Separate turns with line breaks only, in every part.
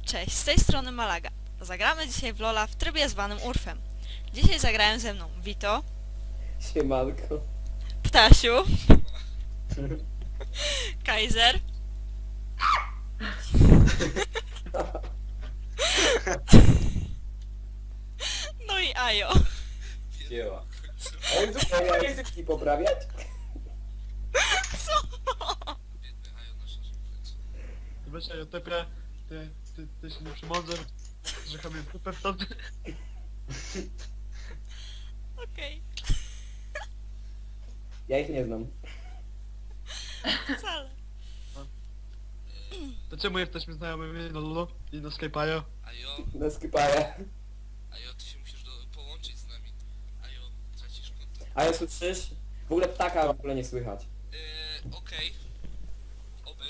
Cześć, z tej strony Malaga. Zagramy dzisiaj w Lola w trybie zwanym Urfem. Dzisiaj zagrają ze mną Vito,
Siemanko.
Ptasiu, Kaiser no i Ajo.
Dzieła.
A on zupełnie języki poprawiać?
Zobaczcie, ja tepę, ty się nie przymądzę, że chamie tepę stąd.
Okej,
Ja ich nie znam.
wcale.
To czemu jesteśmy znajomymi na Lulu i na Skype'ajo?
Ajo,
Na skipaję.
Ajo, ty się musisz połączyć z nami. Ajo, tracisz kontakt.
A ja słyszysz? W ogóle ptaka w ogóle nie słychać.
Okej. Oby.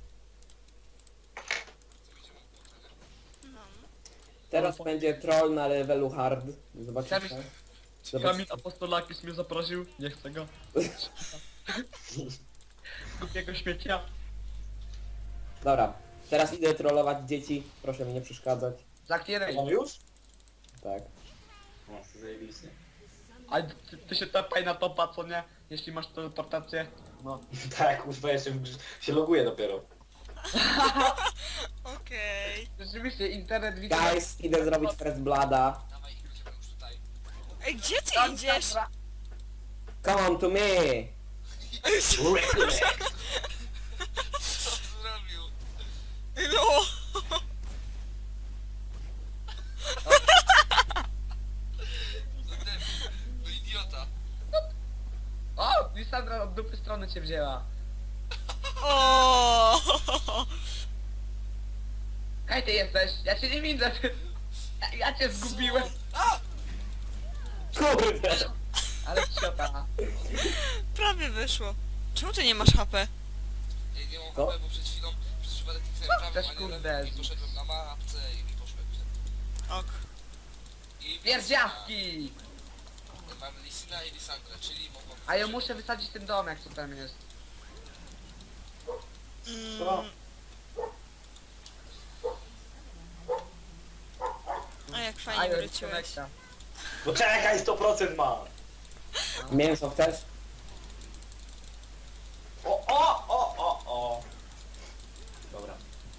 To będziemy potem.
No.
Teraz będzie troll na levelu hard. Zobaczycie.
Kamil Apostolakis mnie zaprosił, nie chcę go. Głupiego śmiecia.
Dobra. Teraz idę trollować dzieci. Proszę mi nie przeszkadzać.
Zakieraj.
Mam już?
Tak.
No, zajebiście.
A ty się tepaj na topa, co nie? Jeśli masz teleportację. No.
Tak, kurwa, jeszcze się loguję dopiero.
Okej.
Rzeczywiście, internet widzę.
Guys, idę zrobić first blooda.
Dawaj, idziemy już tutaj.
Ej, gdzie ty idziesz?
Come on to me!
Co zrobił?
No.
No debil, no idiota.
O! Lisandra od dupy strony cię wzięła.
O.
Kaj ty jesteś? Ja cię nie widzę. Ja cię zgubiłem.
A!
Kurde!
Ale ciota.
Prawie wyszło. Czemu ty nie masz HP?
Ja nie mam
Co?
HP, bo przed chwilą przez przypadek kliknąłem prawym,
Też
a nie
kurde.
lewym i poszedłem na mapce i mi poszło jak
Ok.
I
Pierdziawki!
Mamy Lisina i Lisandrę, czyli mogą...
A ja muszę wysadzić ten domek, co tam jest.
Co?
A jak
A
fajnie
ja
wróciłeś.
No czekaj, 100% ma!
Mięso chcesz?
O! Dobra.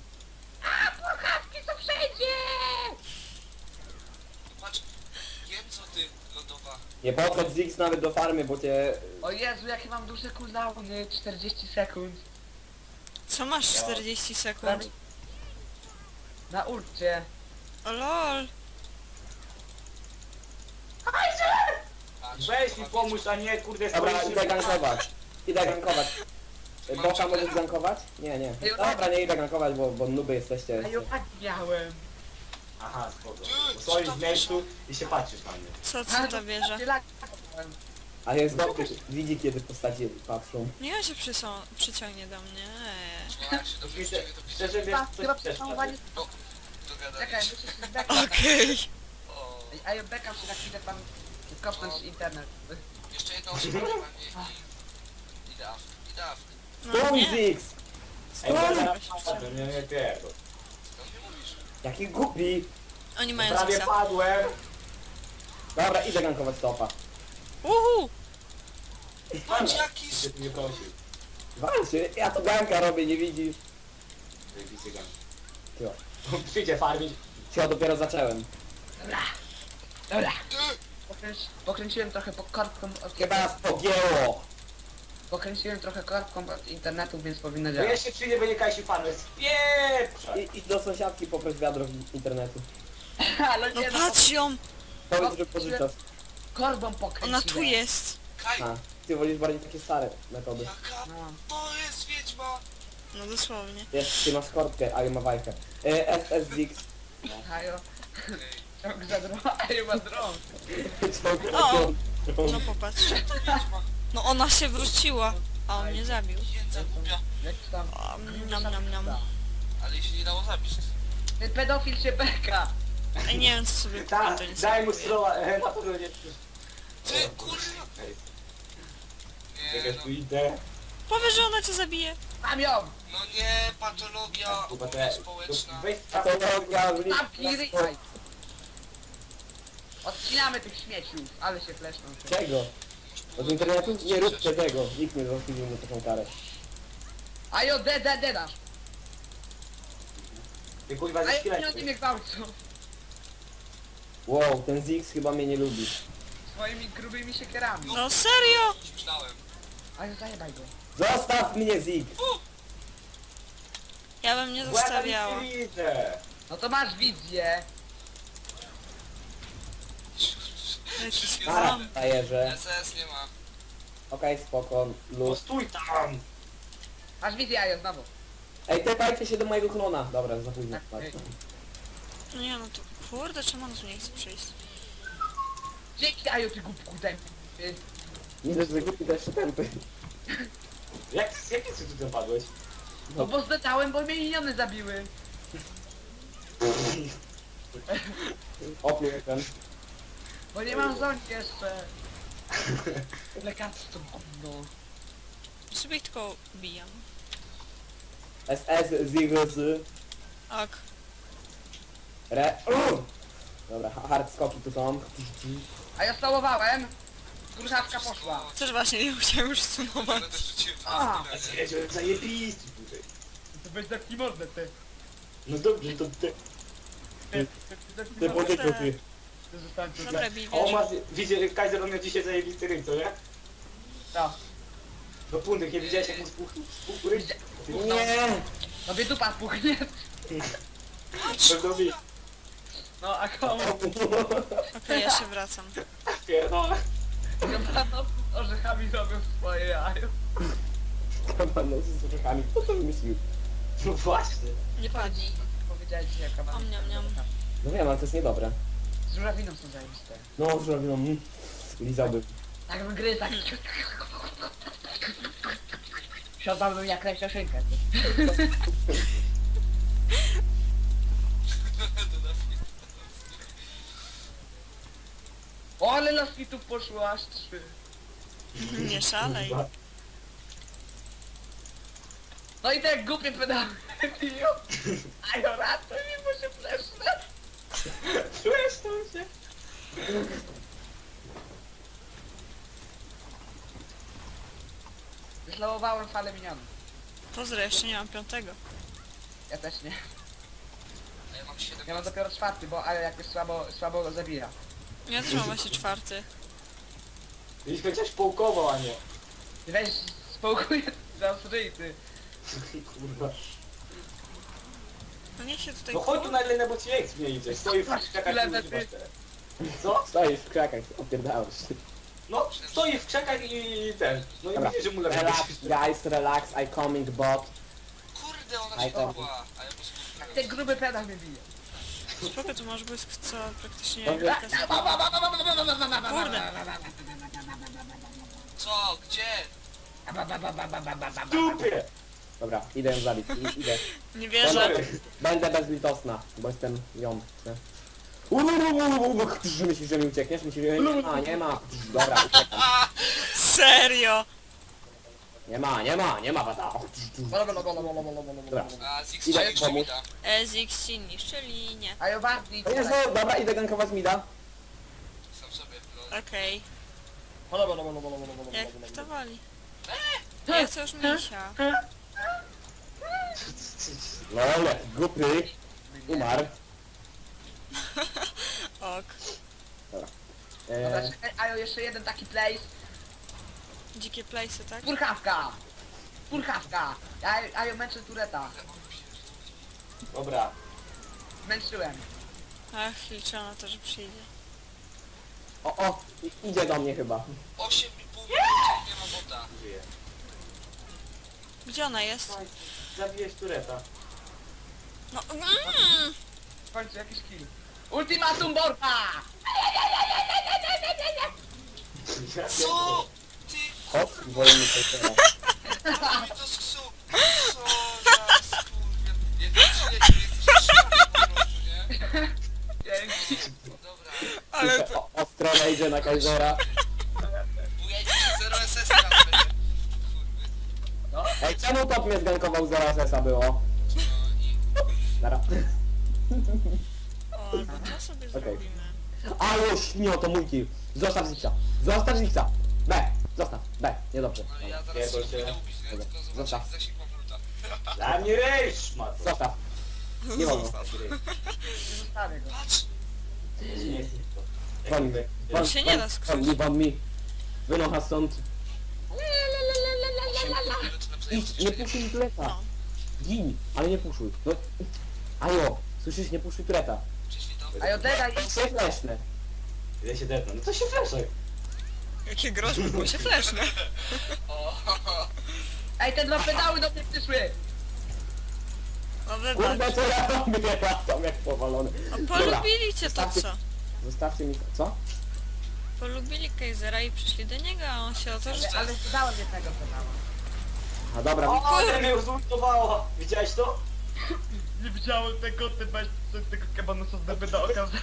Co przejdzie!
Patrz, wiem co ty, lodowa.
Nie podchodź Ziggs nawet do farmy, bo cię...
O Jezu, jakie mam duże cooldowny, 40 sekund.
Co masz 40 sekund?
Na ulcie.
O lol.
Patrz,
Weź mi
lodowa,
pomóż, a nie kurde
Dobra,
stoisz
idę gankować. Idę gankować. Boka możesz gankować? Nie, nie. Dobra, nie idę gankować, bo nuby jesteście.
A ja tak miałem.
Aha, spoko. Bo stoisz w miejscu i się patrzysz na mnie.
Co ta wieża?
A jest dobry, widzi kiedy postaci patrzą.
Nie on się przyciągnie do mnie.
No, jak się dobrze
Szczerze,
przyciągnie, to pisze.
szczerze wiesz,
Chyba
coś też
przesamowanie...
No,
Czekaj,
dogadaliśmy.
muszę się zbekać.
Okej.
O,
A ja bekam się na chwilę tam kopnąć internet.
jeszcze jedna osoba na mnie i... Idę afk, idę afk.
No
Stój
nie.
Ziggs!
Ej,
Stój!
to nie pierdol.
Co mi mówisz?
Jaki głupi!
Oni mają
Prawie
Ziggsa.
padłem.
Dobra, idę gankować topa.
Uhu.
Patrz jaki...
Gdzie ty mnie prosił?
Walczy, ja tu ganka robię, nie widzisz?
Zajebiście gan.
Cio.
Przyjdzie farmić.
Cio, dopiero zacząłem.
Dobra.
Ty!
Pokręciłem trochę korbką od
Chyba nas pogięło!
Pokręciłem trochę korbką od internetu, więc powinno
No
działać.
jeszcze przyjdzie, będzie Kajsi farmę. Spieprza!
Idź do sąsiadki, poproś wiadro z internetu.
Ale
No
nie,
patrz ją.
Powiedz, że pożyczasz.
korbą pokręciłem.
Ona tu jest.
Kaj!
A, ty wolisz bardziej takie stare metody.
Jaka...
No.
To jest wiedźma!
No dosłownie.
Wiesz, ty masz korbkę, a ja ma wajkę. SS Ziggs.
Hajo,
Okej.
ciąg za drogą, a ja ma drąg.
O! No popatrz.
Wiedźma.
No ona się wróciła. A on mnie zabił.
Jędza głupia.
Jak tam?
Nam, nam, nam.
Ale jej się nie dało zabić.
Ten pedofil się beka.
Ej, nie wiem co sobie
Tak,
to nie
daj mu
sobie.
stroła, na pewno nie...
Ty, kurwa!
Ej,
Nie
jak
no,
tu idę.
Powiesz, że ona cię zabije.
Mam ją!
No nie, patologia
Chyba te...
społeczna.
Weź
Patologia,
Tapki, ryjaj! Odcinamy tych śmieciów, ale się fleszną.
Czego? Od internetu? Nie róbcie tego. Nikt nie zasłużył na taką karę.
Ajo, dasz!
Ty kurwa ze
Ajo,
szkieletem.
pieniądze mnie gwałcą!
Wow, ten Ziggs chyba mnie nie lubi.
Swoimi grubymi siekierami.
No serio?
Myślałem.
Ajo, zajebaj go.
Zostaw mnie, Ziggs!
Ja bym nie
Bo ja tam
zostawiała.
nic nie widzę.
No to masz wizję.
Jakiś
Wszystkie
Ara,
spam.
frajerze.
SS nie ma.
Okej, spoko,
No
luz.
stój tam.
Masz wizję, Ajo, znowu.
Ej, tepajcie się do mojego klona. Dobra, za późno.
Tak, ej.
No nie no to... Kurde, czemu on tu nie chce przyjść?
Dzięki, Ajo, ty głupku tępy.
Nie dość, że głupi, to jeszcze tępy.
Jakie ty tu zapadłeś?
No bo zdetałem, bo mnie miniony zabiły.
Opluł ten.
Bo nie mam zoń jeszcze. Lekarstwo gówno.
Sobie ich tylko bijam.
SS, Ziggs,
Ok.
Dobra, hard skoki tu są.
A ja stałowałem. Gruchawka poszła.
Też właśnie nie chciałem już sumować.
Ale też rzuciłem
A.
teraz tyle.
Jedziesz zajebisty tutaj.
To weź zamknij mordę, ty.
No dobrze, to ty.
Ty podzieciu, ty.
Zostałem tu.
Dobra, bij,
O,
wiesz.
ma... Widzicie, Kaiser on miał dzisiaj zajebisty ryj, co nie?
No.
No punkt, nie widziałeś jak mu spuchł ryj?
Nie!
No wie dupa puchnie.
Pewno mi.
No a komu?
Okej, ja się wracam.
Pierdolę.
No, orzechami robią swoje jajo.
Kabanos z orzechami. Kto to wymyślił?
No właśnie.
Nie padnij.
Powiedziałeś dzisiaj kawał.
Om, niam, niam.
No wiem, ale to jest niedobre.
Z żurawiną są zajebiste.
No, zrobią. Lizałbym.
Tak bym tak. Siadałbym jak ręczeszynkę. O, ale laskitów poszło aż 3.
Nie szalej.
No i tak głupie pedały. Ajo, ratuj mi, bo się flesznę.
Czujesz to się?
Wyslałowałem falę minionów.
Pozdro, jeszcze nie mam 5.
Ja też nie.
A ja mam 7.
Ja mam dopiero 4, bo ale jakoś słabo go zabija.
Ja też mam właśnie 4.
Jeśli chociaż połkował, a nie.
Ty weź spokój za ryj, ty.
Kurwa.
No niech się tutaj...
No chodź tu na Elenę, bo ci eks mnie idzie. Stoi w krzakach i
Lenę,
używasz
ty.
teraz. Co?
Stoisz w krakach, opierdałeś.
No, stoi w krzakach i ten. No i
Dobra.
widzisz, że mu
Relax,
lepiej.
guys, relax, I coming bot.
Kurde, ona
Aj,
się
tam.
była. A ja po
Tak
prostu...
ten gruby pedał mnie bije.
Spoko, tu masz błysk, co praktycznie...
Dobra.
Kurde.
Co? Gdzie?
W dupie!
Dobra, idę ją zabić, idę.
Nie wierzę.
Będę bezlitosna, bo jestem ją. Myślisz, że mi uciekniesz? Myślisz, że nie ma, nie ma. Dobra, uciekam.
Serio!
Nie ma wada. Dobra.
A Zix
Idę
jeszcze mi
pomóc.
da.
Ezix ci niszczy linię.
Ajo, wartni.
O Jezu, dobra, idę gankować mida.
Sam sobie. Lol.
Okej. Jak kto wali?
Eee!
Ja chcę już misia.
Lol, głupy. Umarł.
Ok.
Dobra,
Eee,
czekaj, Ajo, jeszcze jeden taki place.
Dzikie place'y, tak?
Purchawka! Purchawka! Ajo, męczę tureta.
Dobra.
Męczyłem.
Ach, liczę na to, że przyjdzie.
o, idzie do mnie chyba.
8,5 minuty, nie ma bota.
Żyję.
Gdzie ona jest?
Zabijesz tureta.
No,
W końcu jakiś kill. Ultimatum Borpa!
Co? Ty
Hop, wolny teraz.
mi to sksu. Co za skurwiel. Jak wiecie, jesteś szybki po prostu, nie?
Dzięki.
Dobra.
ale to...
Ostro wejdzie na Kaisera.
Bujajcie się 0 SS tam będzie. Kurwy.
No.
Ej, Czemu top mnie zgankował, zaraz esa było? Dara.
O, albo co sobie zrobimy?
A już, śmio, to mój kill. Zostaw Zixa. Zostaw Zixa. B. Zostaw. B. Niedobrze.
No ja
Nie,
zaraz
to
się
się-
będę ubić, nie? Tylko zobaczę
Zostaw.
jaki zasięg mam ulta.
Dla mnie ryż, ma to.
Zostaw. Nie wolno.
Nie zostawię go.
Patrz!
Nie jest to.
Won mi. Won,
się nie da skrzywdzić.
won mi. Wynocha stąd. Idź, nie puszuj tureta.
No.
Gin, ale nie puszuj. No. Ajo, słyszysz, nie puszuj tureta.
Prześwitał.
A ja degaj i...
Się fleszne.
Ile się depnę? No to się fleszaj.
Jakie groźby, bo się fleszne.
O,
Ej, te dwa pedały do mnie przyszły!
No
Kurde,
wybacz.
co ja robię? Latam jak powalony.
A
Dobra,
polubili cię to
zostawcie-
co?
Zostawcie mi... Co?
Polubili Kejzera i przyszli do niego, a on się o to rzuca.
Ale dałem jednego pedała.
A dobra,
O, ale mnie uzultowała. Widziałeś to?
Nie widziałem tego, ty weź tego kebanosa z deby do oka.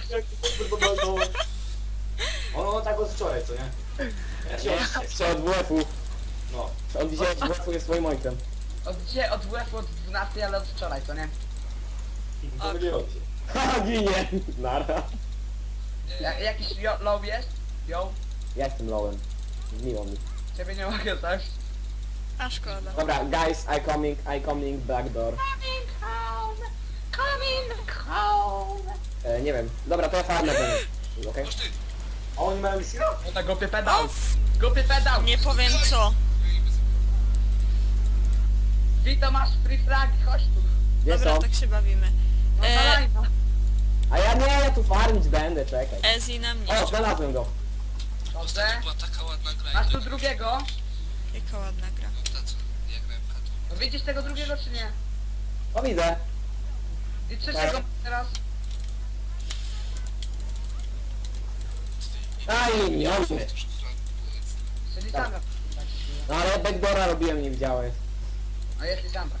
Ono tak od wczoraj, co nie? Ja się
jeszcze od WF-u.
No.
On dzisiaj od WF-u jest moim ojcem.
Od dzisiaj, od WF od 12, ale od wczoraj, co nie?
Pomyliło się.
Ha, ginie. Nara.
Jakiś low jest? Yo,
Ja jestem lowem. Miło mi.
ciebie nie mogę coś.
A szkoda.
Dobra, guys, I coming, back door.
Coming home.
Nie wiem. Dobra, to ja farmę będę. Okej?
Masz ty!
A oni mają misję?
No tak głupie pedał. Głupie pedał.
Nie powiem co.
Vito masz free fragi, chodź tu.
Gdzie
Dobra,
są?
tak się bawimy.
No
E,
dalej, no.
A ja nie, ja tu farmić będę, czekaj.
Ezi na mnie.
O, znalazłem go.
Dobrze.
Ostatnio była taka ładna gra.
Masz
i
tu
tak-
drugiego.
Jaka ładna gra.
No ta co? Ja grałem katą.
No widzisz tego drugiego czy nie?
O, widzę.
I trzeciego teraz.
Aj, nie, on mnie.
Czyli
Tak.
Sandra.
No ale backdoora robiłem, nie widziałeś.
No jest Sandra.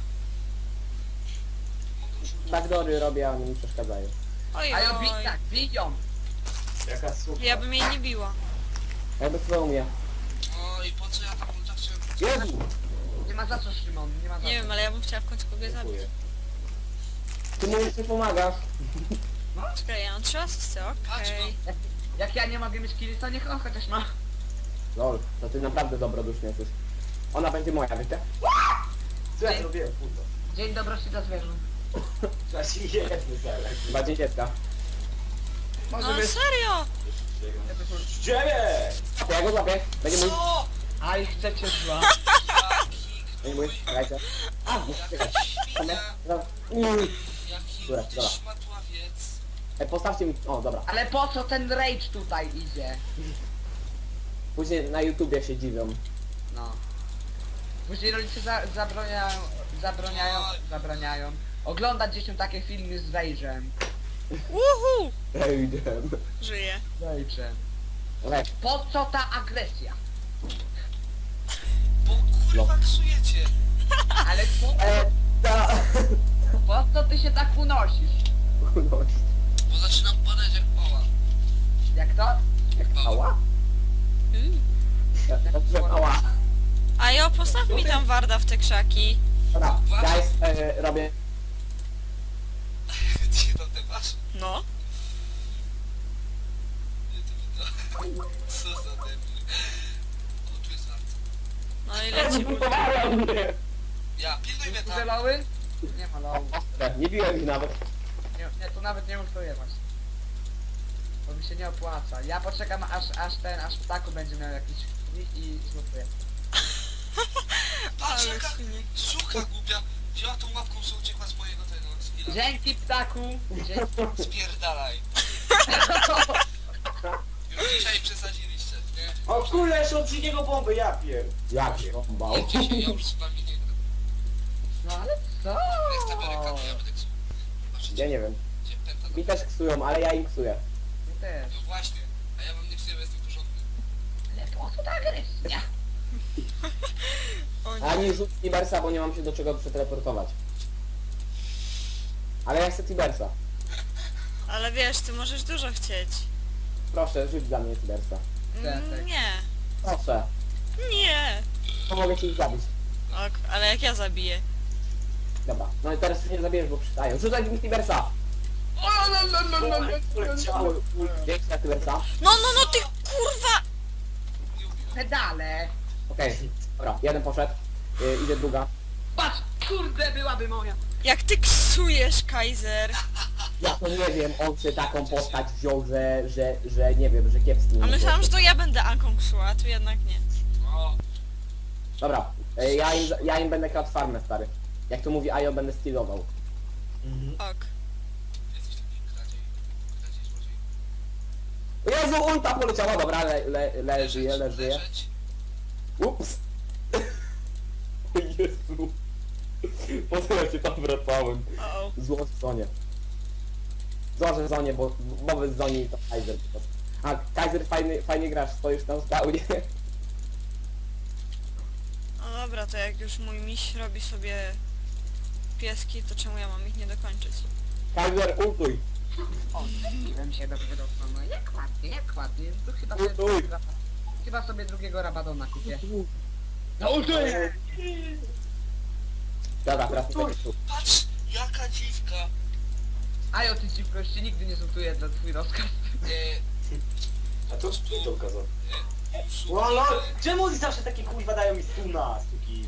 Backdoory robię, a oni mi przeszkadzają.
Oj,
A ja
oj.
tak, biją.
Jaka super.
Ja bym jej nie biła.
Jakby co umie.
O i po co ja tam ulta chciałem?
Jezu!
Nie ma za co, Szymon, nie ma za
Nie
co.
wiem, ale ja bym chciała w końcu kogoś zabić.
Dziękuję.
Ty mówisz, że pomagasz.
Czekaj, ja mam 3 asysty, okej.
Jak ja nie mogę mieć killi, to niech on chociaż ma.
Lol, to ty naprawdę dobroduszny jesteś. Ona będzie moja, wiecie?
Co ja zrobiłem, kurwa?
Dzień dobroci dla zwierząt.
Trzeba się jedny zaraz.
Chyba dziecięcka.
Może
No
być.
serio!
Ciebie!
Ja go złapię. Będzie mój.
Co?
A i chcecie zła.
Jaki
Będzie mój. Czekajcie. A, muszę czekać.
świnia!
Dobra.
Jaki
Dobra, dobra.
szmatławiec!
Postawcie mi... O, dobra.
Ale po co ten rage tutaj idzie?
Później na YouTubie się dziwią.
No. Później rodzice zabraniają oglądać dzieciom takie filmy z rage'em.
Uhu!
Ejdę.
Żyję.
Rage'em.
Lek.
Po co ta agresja?
Bo kurwa ksujecie!
Ale
Ta...
po co ty się tak unosisz?
Bo zaczynam padać jak pała.
Jak to?
Ała? Ała.
A jo, postaw mi tam Warda w te krzaki.
Dobra, guys, robię...
Gdzie to ty masz?
No.
Nie to widzę. Co za debil. O, tu jest Wart.
No i leci.
Ja, pilnuj mnie
Duże
tam!
loły? Nie ma lołu.
Nie biłem ich nawet.
Nie, tu nawet nie ultuję właśnie. Bo mi się nie opłaca. Ja poczekam aż ptaku będzie miał jakiś i zlutuję.
Patrz
Ale
jaka
świnie.
suka głupia! Wzięła tą łapką, co uciekła z mojego tego skilla.
Dzięki ptaku! Dzięki.
Spierdalaj. Już dzisiaj przesadziliście, nie?
O kurde, jeszcze od drugiego bomby, ja pier.
Jak się bał?
Nie, dzisiaj ja już z wami nie gram.
No ale co?
Next America, ja będę ksuł. Patrzcie,
Ja nie wiem.
gdzie pęta
Mi też ksują, ale ja im ksuję.
My też.
No właśnie, a ja wam nie ksuję, bo jestem porządny.
Ale po co ta agresja?
O
A
nie.
nie rzuć Tibersa, bo nie mam się do czego przeteleportować. Ale ja chcę Tibersa.
Ale wiesz, ty możesz dużo chcieć.
Proszę, rzuć dla mnie Tibersa.
Tak.
Nie.
Proszę.
Nie.
Pomogę ci ich zabić.
Ok, ale jak ja zabiję?
Dobra, no i teraz już nie zabierzesz, bo przystają. Rzucaj mi Tibersa!
Poleciały.
Dzięki na Tibersa.
No, ty kurwa!
Nie ubiłem.
Pedale!
Okej, dobra, jeden poszedł. Idzie druga.
Patrz! Kurde, byłaby moja!
Jak ty ksujesz, Kaiser?
Ja to nie wiem, on sobie taką postać wziął, że nie wiem, że kiepski.
A myślałam, że to ja będę Anką ksuła, a tu jednak nie.
O,
Dobra, ja im będę kradł farmę, stary. Jak to mówi Ajo, będę stylował.
Ok.
jesteś taki kradziej złodziej.
Jezu, ulta poleciała, dobra, żyje.
Leżeć.
Ups! O Jezu! Po co ja się tam wracałem?
O,
Zło w zonie. Złożę w zonie, bo bez zoni to Kaiser po prostu. A, Kaiser fajnie grasz, stoisz tam w spawnie.
no dobra, to jak już mój miś robi sobie pieski, to czemu ja mam ich nie dokończyć?
Kaiser, ultuj!
O, zbiłem się dobrze do strony. Jak ładnie. To chyba sobie drugiego Rabadona kupię. No ultuję!
Dobra, teraz tutaj tu.
Patrz, jaka dziwka.
Ajo, ty ci prości nigdy nie zultuję dla twój rozkaz.
A to tu to kazał.
Słuchaj,
O lol! Czemu oni zawsze takie kurwa dają mi stuna, suki?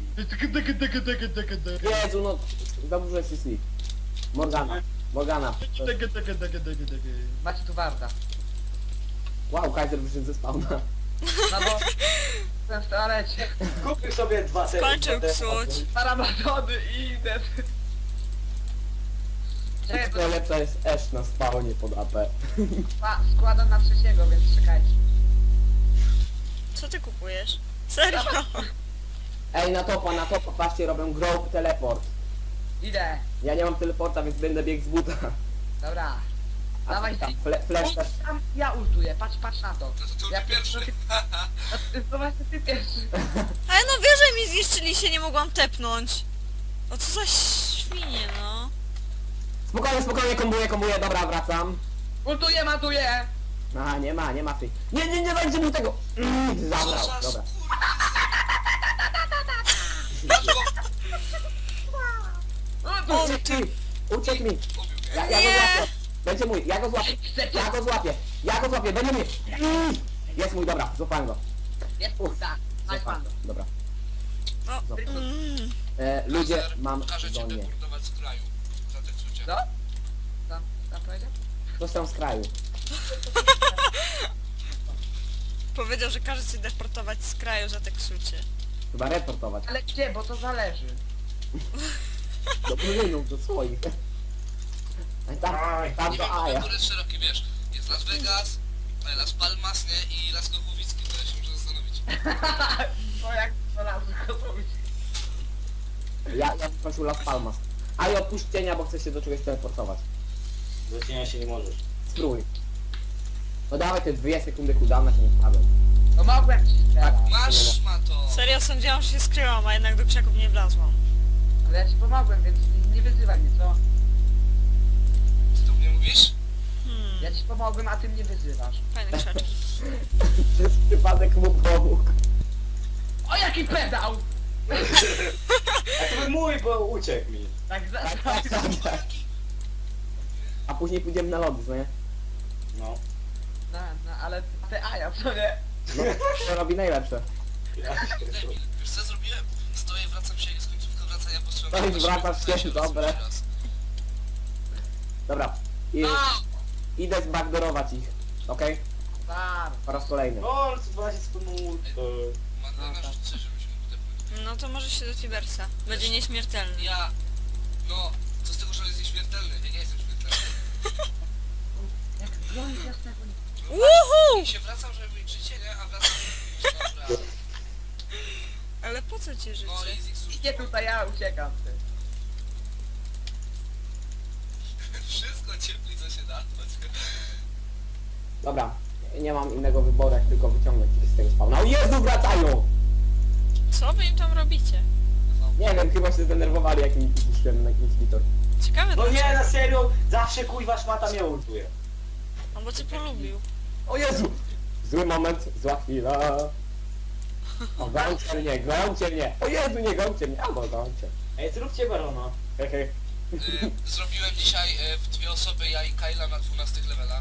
Jezu, no, za dużo jest sleep. Morgana.
Macie tu warta.
Wow, Kaiser wyszedł ze spawna.
No bo... Jestem w toalecie.
Kupił sobie dwa
Skończył psuć.
Rabadony i idę. Czekaj, bo
Najlepsza jest Ash na spawnie pod AP.
składam na trzeciego, więc czekajcie.
Co ty kupujesz? Serio?
Ej, na topa, patrzcie, robią grow teleport.
Idę.
Ja nie mam teleporta, więc będę biegł z buta.
Dobra.
A
Dawaj,
tam, flash też.
Tam ja ultuję, patrz na to.
no to ty
Ja
pierwszy.
To właśnie ty pierwszy.
Ale no wieże mi zniszczyli się, nie mogłam tepnąć. O co za świnie, no.
Spokojnie, kombuję, dobra, wracam.
Ultuję, matuję.
A, nie ma free. Nie dajcie mu tego! Zabrał,
Co za
dobra.
O
Uciekł
ty...
mi! Uciekł mi!
Ubił mnie.
Ja go
Nie.
złapię! Będzie mój, ja go złapię, będzie mój! Jest mój, dobra, złapałem go.
Jest pusta. Masz
Złapałem
pan.
go, dobra.
O,
Ludzie,
Kazer,
mam
Każę cię
zonie.
deportować z kraju. Za te ksucie.
Co? Tam powiedział?
Ktoś tam z kraju.
powiedział, że każe cię deportować z kraju za te ksucie.
Chyba reportować.
Ale gdzie, bo to zależy.
Do plynów, do swoich. Tam
Nie
to
wiem,
Aja.
który jest szeroki, wiesz. Jest Las Vegas, Las Palmas, nie? I Las Kochowicki, to ja się muszę zastanowić.
To jak to razu gotowić.
Ja bym prosił Las Palmas. Aja, odpuść cienia, bo chcę się do czegoś teleportować.
Do cienia się nie możesz.
Spróbuj. No dawaj te 2 sekundy cooldowna się nie wpadłem.
No mogłem ci strzelać.
Masz, Mato!
Serio sądziłam, że się skryłam, a jednak do krzaków nie wlazłam.
Ale ja ci pomogłem, więc nie wyzywaj mnie, co?
Ty to mnie mówisz?
Ja ci pomogłem, a ty mnie wyzywasz.
Fajne krzaczki.
Przez przypadek mu pomógł.
O, jaki pedał!
A to był mój, bo uciekł mi.
Tak za...
Tak. A później pójdziemy na lody, co nie?
No.
No, ale te aja, co nie?
No, to robi najlepsze.
Debil. Wiesz co ja zrobiłem? Stoję, wracam się, jest końcówka wracania, bo strzelam.
Stoisz, wracasz się, dobre. Dobra.
No!
Idę zbackdoorować ich. Okej?
Tam.
Po raz kolejny.
No, zobaczcie wspólną
Madlena rzucę, żebyśmy udepnąć.
No to może się do Tibersa. Będzie nieśmiertelny.
Ja... No, co z tego, że on jest nieśmiertelny? Ja nie jestem śmiertelny.
Jak broń jasnego nie...
Uhu!
I się wracam, żeby mieć życie, nie? A wracam... Dobra.
Ale po co ci życie?
No, jest ich służba.
Idzie tutaj, ja uciekam, ty.
Wszystko ciepli, co się da.
Dobra. Nie mam innego wyboru, jak tylko wyciągnąć ich z tego spawna. O Jezu, wracają!
Co wy im tam robicie?
Nie wiem, chyba się zdenerwowali, jak mi zniszczyłem na inhibitor.
Ciekawe
No nie,
dlaczego.
na serio, zawsze kuźwa szmata mnie ultuje.
No bo cię polubił.
O Jezu! Zły moment, zła chwila. O, gońcie mnie! O Jezu, nie gońcie mnie! Albo gońcie.
Ej, zróbcie barona.
Hehe.
Zrobiłem dzisiaj w 2 osoby, ja i Kyla na 12 levelach.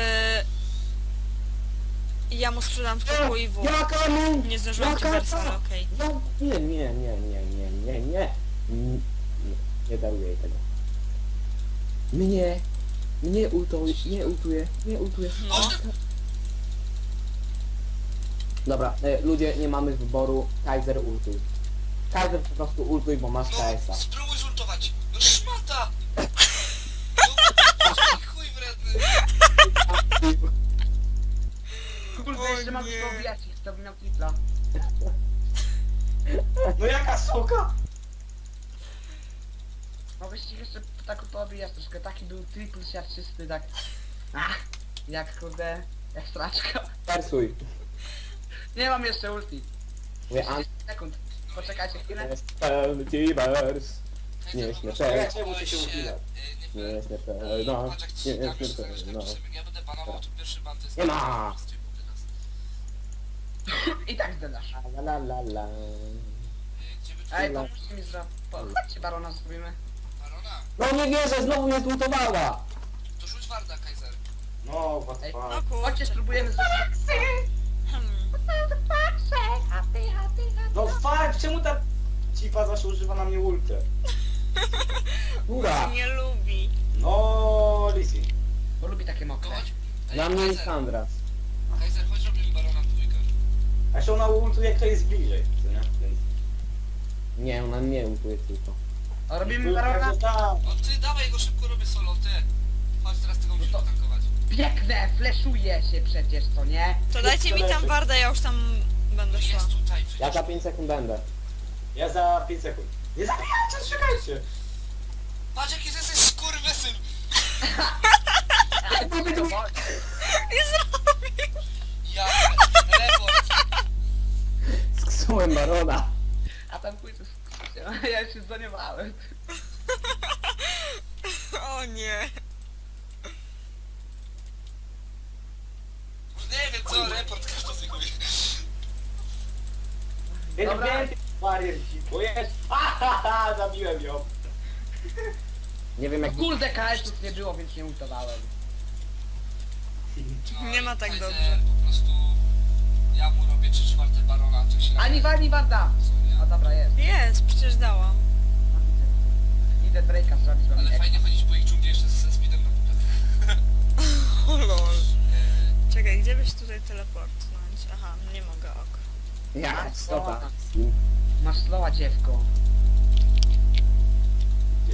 Ja mu sprzedam tylko i w.
Jaka mu?
Nie zdążyłam
Jaka
Kiversa,
ta?
ale okej.
Nie. Nie daruję jej tego. Nie ultuje.
No.
Dobra, ludzie, nie mamy wyboru. Kaiser ultuj. Kaiser po prostu ultuj, bo masz
No,
KS-a.
spróbuj zultować. No szmata! No, chuj wredny.
Kurde,
O
jeszcze mam
nie.
tylko obijać ich, to bym miał tripla.
No jaka suka?
Mogłeś ich jeszcze tak poobijać troszkę, taki był triple siarczysty, tak... Ach, jak kurde, jak straczka.
Persuj.
Nie mam jeszcze ulti.
Mówię,
30 sekund. Poczekajcie chwilę.
Multiverse. Nie śmieszne.
Czemu ty się uchylasz?
Nie śmieszne.
Patrz jak ci
Nie
napisz,
śmieszne.
że ja będę banował, to pierwszy ban to jest...
Nie ma.
I tak zdedasz.
La la la.
Gdzie by tu
Ej, pomóżcie mi zrobić. Chodźcie barona zrobimy.
barona?
No nie wierzę, znowu mnie zlutowała.
To rzuć warda, Kaiser.
No, what the
Ej,
fuck.
No
Chodźcie,
kurczę.
spróbujemy zrobić.
Hmm.
No fuck, czemu ta cipa zawsze używa na mnie ultę?
Która?
Nie lubi.
No, Lizzy.
Bo lubi takie
To
mokre.
chodź. Ej,
Dla mnie jest
Kaiser,
Sandra.
Kaiser, chodź robimy barona w dwójkę.
A jeszcze ona ultuje, kto jest bliżej, co nie? Więc...
Nie, ona mnie ultuje tylko.
A robimy barona?
Także tak.
O ty, dawaj go szybko, robię solo, ty. Chodź, teraz tego musimy tankować.
Biegnę, fleszuje się przecież, co nie?
To dajcie mi tam wardę, ja już tam będę szła.
Jest tutaj przecież.
Ja za 5 sekund będę.
Ja za 5 sekund. Nie zabijajcie, czekajcie!
Patrz jaki ty jesteś skurwysyn.
Nie zrobił!
Ja, report.
Sksułem barona.
A tam pójdę z... Ja się zaniewałem.
O nie.
Nie wiem co, report każdy z nich mówi.
Dobra.
Więcej barier ci, bo jest... Ahaha, zabiłem ją.
Nie wiem jak...
Kurde, KS-ów nie było, więc nie ultowałem.
No,
Nie ma tak
Kaiser,
dobrze.
Po prostu ja mu robię 3/4 barona, to się
Ani warda!
Co nie?
A dobra, jest.
Jest, przecież dałam.
Idę Drake'a zrobić, bo
Ale
mi
fajnie chodzić po ich dżungli jeszcze ze speedem na pupę.
O lol. Czekaj, gdzie byś tutaj teleportnąć? Aha, nie mogę, ok.
Ja, stopa.
Masz slowa, dziewko.
Gdzie?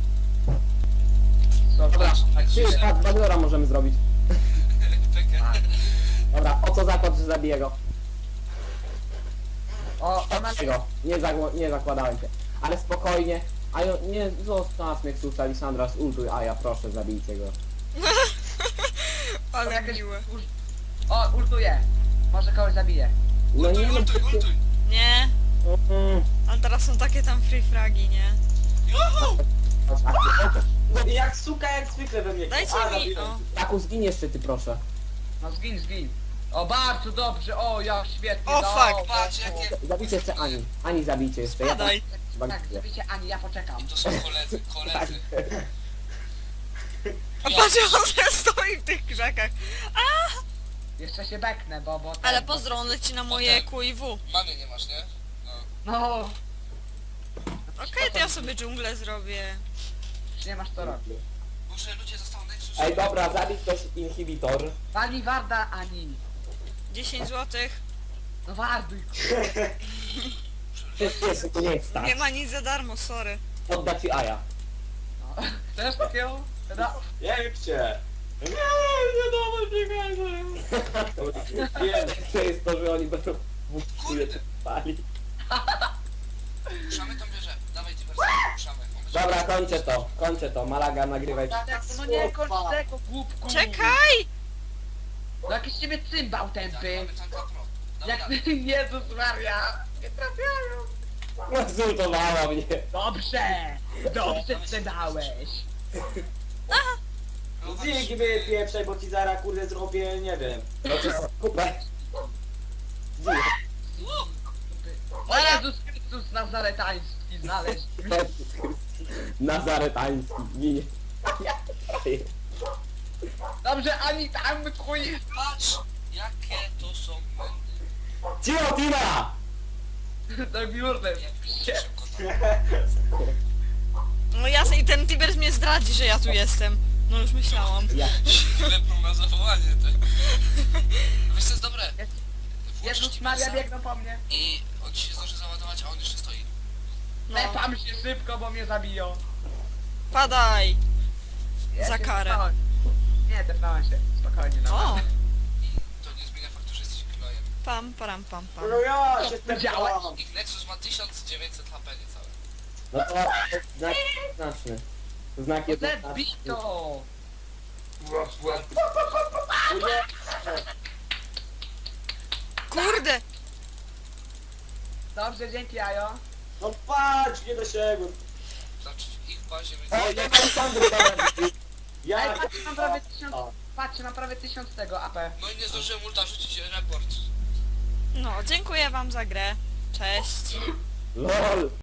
Dobra,
Ty, patrz, Badora możemy zrobić.
Pekę.
Dobra, o co zakład, że zabiję go?
O, ona...
Tego. Nie zakładałem się. Ale spokojnie. A ja, nie, zostaw mnie Ksusa, Lisandra, ultuj, a ja proszę, zabijcie go.
Ale
jakieś-
miłe.
O, ultuje. Może kogoś zabije.
No
Ultuj,
nie, no,
ultuj, ultuj.
Nie,
Mm,
ale teraz są takie tam free fragi, nie?
Juhu!
chodź, akcja.
No i jak suka, jak zwykle we mnie.
Dajcie
A,
mi,
zabiłem.
o.
Taku, zgin jeszcze ty, proszę.
No zgin, zgin. O, bardzo dobrze, o, jak świetnie.
O,
no,
fuck.
Patrz jakie...
Zabijcie jeszcze Ani. Ani zabijcie jeszcze. Ja
Spadaj.
Tak, zabijcie Ani, ja poczekam.
I to są koledzy, koledzy.
A patrz, on stoi w tych krzakach.
Jeszcze się beknę, bo...
Ale pozdro, on leci na moje QIW.
Mamy nie masz, nie? No.
No,
Okej, to ja sobie dżunglę zrobię.
już nie masz co robić.
Boże, ludzie został Nexus.
Ej, dobra, zabij ktoś inhibitor.
Pani warda, Ani.
10 złotych.
No warduj.
Przecież jeszcze to nie jest tak.
Nie ma nic za darmo, sorry.
Odda ci Aja.
No. Też takiego? No.
Piękcie! Nie dawaj biegaj!
To jest to, że oni będą w
Kurde.
pali.
Puszamy tą wieżę. Dawaj ty wersję, puszamy. On będzie-
Dobra, kończę to. Malaga, nagrywaj.
No nie, kończ tego, głupku.
Czekaj!
No jakiś ciebie cymbał
Tak,
tępy.
mamy tanka pro. Damy
Jak...
radę.
Jezus Maria. Nie trafiają.
No, zultowała mnie.
Dobrze. Dobrze sprzedałeś.
No,
Dzięki wy pieprzej, bo ci zaraz kurde zrobię, nie wiem.
No to jest kupę.
O Jezus Chrystus Nazaretański znaleźć.
Nazaretański, ginie.
Dobrze, ani tam chuj.
Patrz, jakie to są błędy.
Cicho, Tina!
Do biurny.
Jak
Się.
szybko tam.
No jasne, i ten Tibers mnie zdradzi, że ja tu jestem. No już myślałam.
Ja.
Lepną na zawołanie te. Wiesz co jest dobre? Włączysz
Jezus Maria
Tibersa
biegną po mnie.
i on ci się zdąży załadować, a on jeszcze stoi.
No,
Lepam się szybko, bo mnie zabiją.
padaj!
Ja
Za
się
karę.
tepnąłem. Nie, tepnąłem się. Spokojnie, no.
O!
I to nie zmienia faktu, że jesteś gnojem.
Pam, param, pam, pam.
No ja się
Powiedziałeś?
tepnąłem.
Ich Nexus ma 1900 HP niecałe.
No to znak jednoznaczny. To znak jednoznaczny.
Zebito!
Kurde!
Dobrze, dzięki Ajo.
No patrz, nie dosięgłem.
Znaczy w ich bazie
O,
będzie...
jak on sam wygląda.
Ej,
Ja...
patrzcie, mam prawie 1000...
O.
Patrzcie, mam prawie 1000 tego AP.
No i nie zdążyłem ulta rzucić report.
No, dziękuję wam za grę. Cześć.
LOL.